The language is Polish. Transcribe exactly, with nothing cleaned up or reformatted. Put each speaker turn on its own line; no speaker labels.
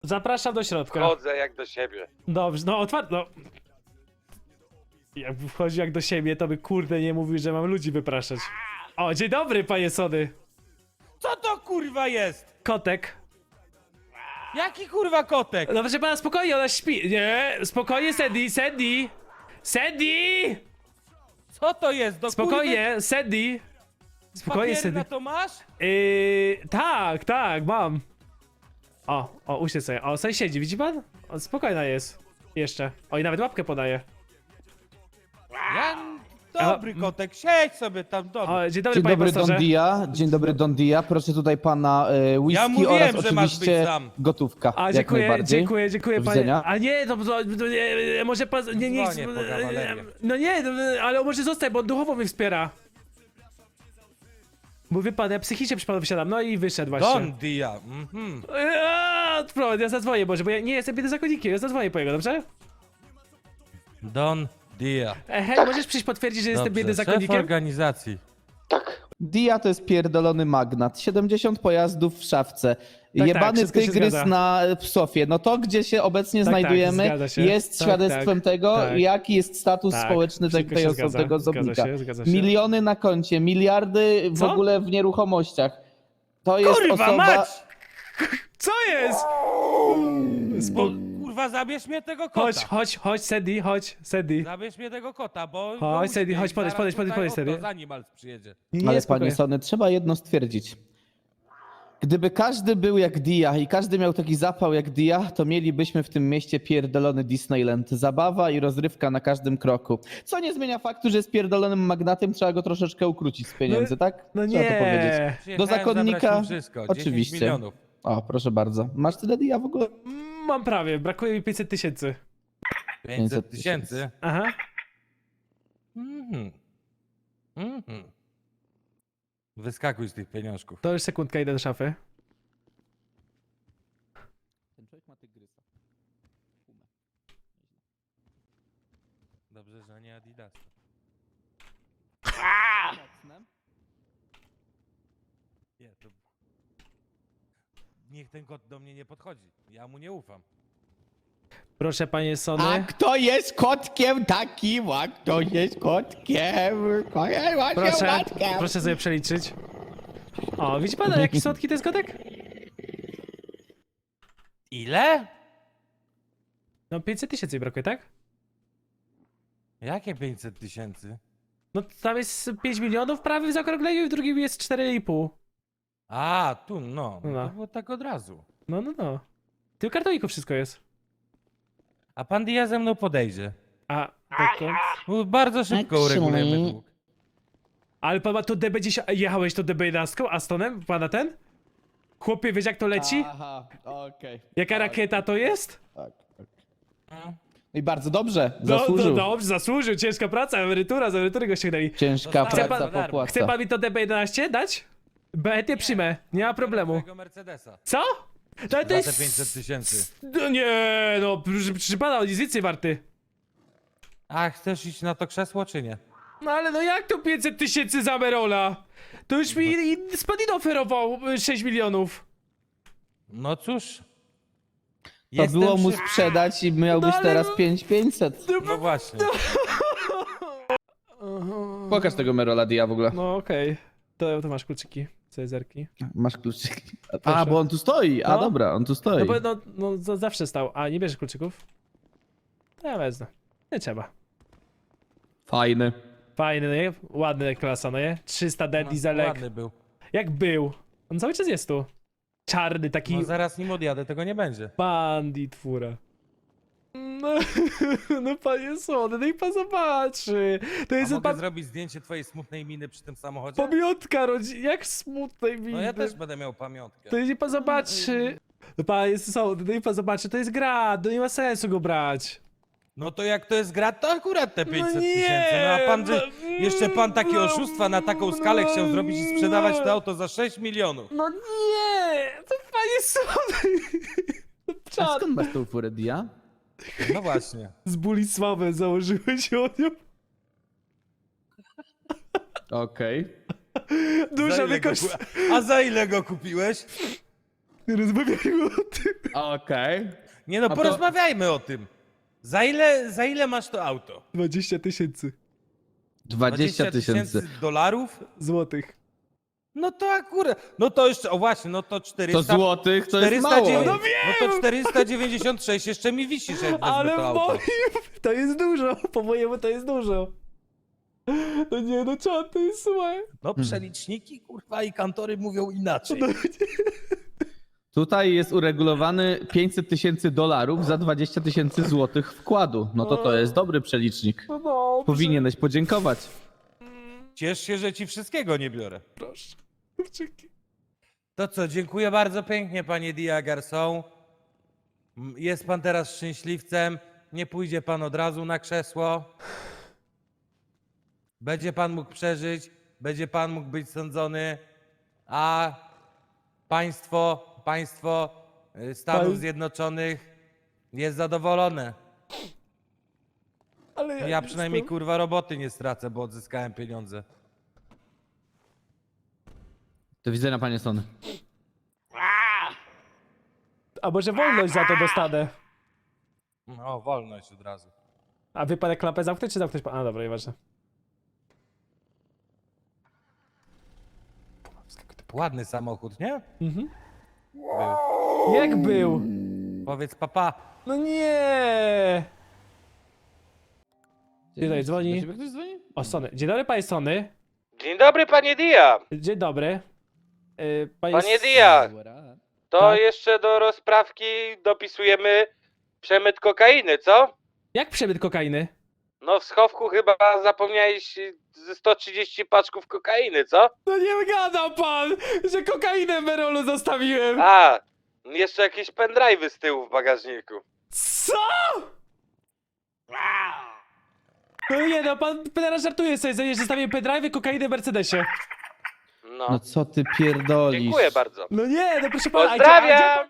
Zapraszam do środka.
Chodzę jak do siebie.
Dobrze, no otwarte, no. Jakby wchodzi jak do siebie, to by kurde nie mówił, że mam ludzi wypraszać. O, dzień dobry, panie Sody.
Co to kurwa jest?
Kotek.
Jaki kurwa kotek?
No proszę pana, spokojnie, ona śpi. Nie, spokojnie, Sandy, Sandy. Sandy!
Co to jest? Do
Spokojnie, Sandy. Spokojnie,
Spokojnie,
Sandy.
to masz?
Yy, tak, tak, mam. O, o, usiądź sobie. O, sobie siedzi, widzi pan? O, spokojna jest. Jeszcze. O, i nawet łapkę podaje.
Ja... Dobry kotek, siedź sobie tam, dobry.
O, dzień dobry,
Dzień
panie
dobry Don
pastorze.
Dia, dzień dobry Don Dia, proszę tutaj pana e, whisky
Ja mówiłem,
oraz
że masz być
oczywiście
sam.
gotówka,
A,
jak
dziękuję,
najbardziej.
dziękuję, dziękuję,
Do
panie.
widzenia.
A nie, to, to, to nie, może pan, nie, nie,
Dzwonię po kawalerię.
no nie, no, ale on może zostać, bo on duchowo mnie wspiera. Bo wie pan, ja psychicznie przy panu wysiadam, no i wyszedł właśnie.
Don Dia, mhm.
Eee, Prowadź, ja zadzwonię, może, bo ja nie jestem biednym zakonnikiem, ja zadzwonię po jego, dobrze?
Don Dia.
E, hej, możesz przyjść potwierdzić, że jestem
Dobrze,
biednym
szef
zakonnikiem?
organizacji.
Dia to jest pierdolony magnat, siedemdziesiąt pojazdów w szafce,
tak,
jebany
wszystko się
tygrys
zgadza.
na psofie. No to, gdzie się obecnie
Tak, tak,
znajdujemy,
zgadza się.
jest
Tak,
świadectwem
tak,
tego,
tak.
jaki jest status
Tak,
społeczny tej,
wszystko
tej
się
osoby,
zgadza,
tego
zgadza
zobnika.
się, zgadza się.
Miliony na koncie, miliardy w
Co?
ogóle w nieruchomościach. To jest
Kurwa
osoba...
mać!
Co jest?
Bo, kurwa, zabierz mnie tego kota.
Chodź, chodź, chodź, Sandy, chodź, Sandy.
Zabierz mnie tego kota, bo...
Chodź,
bo
Sandy,
uśpię
chodź,
i
podejdź,
zaraz
podejdź, podejdź,
tutaj
podejdź,
oto
Sandy.
Zanimals przyjedzie.
Nie,
Ale
spokojnie.
panie Sony, trzeba jedno stwierdzić. Gdyby każdy był jak Dia i każdy miał taki zapał jak Dia, to mielibyśmy w tym mieście pierdolony Disneyland. Zabawa i rozrywka na każdym kroku. Co nie zmienia faktu, że jest pierdolonym magnatem, trzeba go troszeczkę ukrócić z pieniędzy, tak?
No
Trzeba to powiedzieć.
nie.
Przyjechałem
zakonnika
zabrać mu wszystko,
oczywiście.
dziesięć milionów.
O, proszę bardzo. Masz tyle Dia w ogóle?
Mm, Mam prawie, brakuje mi pięćset tysięcy.
pięćset tysięcy.
Aha.
Mhm. Mhm. Wyskakuj z tych pieniążków.
To już sekundka, idę do szafy.
Ten człowiek ma tygrysa.
Dobrze, że nie Adidas. Nie, to... Niech ten kot do mnie nie podchodzi. Ja mu nie ufam.
Proszę, panie
A
Sony.
kto jest kotkiem takim? A kto jest kotkiem? Kto jest właśnie
Proszę,
kotkiem?
proszę sobie przeliczyć. O, widzi pan, jaki słodki to jest kotek?
Ile?
No pięćset tysięcy mi brakuje, tak?
Jakie pięćset tysięcy?
No tam jest pięć milionów prawie w zaokrągleniu i w drugim jest cztery i pół.
A, tu, no.
No.
To było tak od razu.
No, no, no. Ty w kartoniku wszystko jest.
A pan Dia ze mną podejdzie.
A, dokąd?
Bo bardzo szybko
Actually-
uregulujemy dług.
Ale pan ma to D B dziesięć... Jechałeś to D B jedenaście Astonem? Pana ten? Chłopie, wiesz jak to leci?
Aha, okej.
Jaka rakieta to jest?
Tak, tak.
No.
I bardzo dobrze,
No,
zasłużył.
no dobrze, zasłużył. Ciężka praca, emerytura, z emerytury go ściągnęli.
Ciężka
Dostałem
praca
za darmo.
popłaca.
Chce pan mi to D B jedenaście dać? Chętnie przyjmę, nie ma problemu.
Twojego Mercedesa.
Co? To, to
Za te
jest...
pięćset tysięcy.
No nie, no, proszę, proszę pana, on jest więcej warty.
A chcesz iść na to krzesło, czy nie?
No ale no jak to pięćset tysięcy za Merola? To już mi i- Spadino oferował y, sześć milionów.
No cóż.
To
Jestem
było mu
szyb-
sprzedać i miałbyś
No, ale
teraz
no-
pięć tysięcy pięćset.
No właśnie.
Pokaż tego Merola Dia w ogóle.
No okej, to, to masz kluczyki, Cezarki.
Masz kluczyki. A,
Proszę.
bo on tu stoi. A
No.
dobra, on tu
No
stoi.
bo no, no za- zawsze stał, a nie bierzesz kluczyków? To ja wezmę, nie trzeba.
Fajny.
Fajny, no nie? Ładny klasa, no nie? trzysta D
No,
dieselek.
ładny był.
Jak był? On cały czas jest tu. Czarny, taki
No zaraz nim odjadę, tego nie będzie.
bandit fura. No, no panie Słody, no i pan zobaczy. To
A
jest
mogę
pan...
zrobić zdjęcie twojej smutnej miny przy tym samochodzie?
Pamiątka rodzin, jak smutnej mi.
No ja też będę miał pamiątkę.
To niech pan zobaczy. No panie Słody, no i pan zobaczy, to jest gra, to nie ma sensu go brać.
No to jak to jest gra, to akurat te pięćset
nie,
tysięcy. No a pan, że
no,
jeszcze pan takie
no,
oszustwa na taką skalę chciał
no,
zrobić i sprzedawać
no.
to auto za sześć milionów.
No nie, to panie Słody.
A
Czad.
skąd masz tą furę Dia?
No właśnie.
Z Bulisławem założyłeś o nią.
Okej.
Duża
Za ile go
wykoszt...
ku- A za ile go kupiłeś?
Nie rozmawiajmy o tym.
Okej.
Nie no,
to-
porozmawiajmy o tym. Za ile, za ile masz to auto?
dwadzieścia tysięcy
dwadzieścia tysięcy.
dolarów?
złotych.
No to akurat, no to jeszcze, o właśnie, no to
To
czterysta...
złotych to jest
czterysta
mało.
dziewięćdziesiąt
No
no to czterysta dziewięćdziesiąt sześć jeszcze mi wisi, że wezmę
Ale
to
w
auto.
moim to jest dużo. Po mojemu to jest dużo. No nie, no czad, to jest słuchaj.
No przeliczniki, kurwa, i kantory mówią inaczej.
No,
Tutaj jest uregulowany pięćset tysięcy dolarów za dwadzieścia tysięcy złotych wkładu. No to to jest dobry przelicznik.
no dobrze.
Powinieneś podziękować.
Ciesz się, że ci wszystkiego nie biorę.
Proszę. Kurczyki.
To co, dziękuję bardzo pięknie, panie Dia Garçon. M, Jest pan teraz szczęśliwcem. Nie pójdzie pan od razu na krzesło. Będzie pan mógł przeżyć, będzie pan mógł być sądzony, a państwo, państwo y, Stanów
Pan-
Zjednoczonych jest zadowolone.
Ale ja,
Ja
nie
przynajmniej
jestem.
kurwa roboty nie stracę, bo odzyskałem pieniądze.
Do widzenia, panie Sony.
A może wolność za to dostanę?
No, wolność od razu.
A wy pan klapę zamknąć, czy zamknąć pan? A dobra, nieważne.
Ładny samochód, nie?
Mhm.
Był.
Jak był?
Powiedz papa.
No nie! Tutaj dzwoni.
ktoś dzwoni?
O, Sony. Dzień dobry, panie Sony.
Dzień dobry, panie Dia.
Dzień dobry. Yy, panie
Panie
S-
Dia, to
Tak?
jeszcze do rozprawki dopisujemy przemyt kokainy, co?
Jak przemyt kokainy?
No w schowku chyba zapomniałeś ze sto trzydzieści paczków kokainy, co?
No nie gada pan, że kokainę w Merolu zostawiłem.
A, jeszcze jakieś pendrive'y z tyłu w bagażniku.
Co? No nie no, pan teraz żartuje sobie, że zostawiłem pendrive, kokainę w Mercedesie.
No,
No co ty pierdolisz?
dziękuję bardzo.
No nie, no proszę pana. a gdzie- a
Pozdrawiam!
gdzie pan-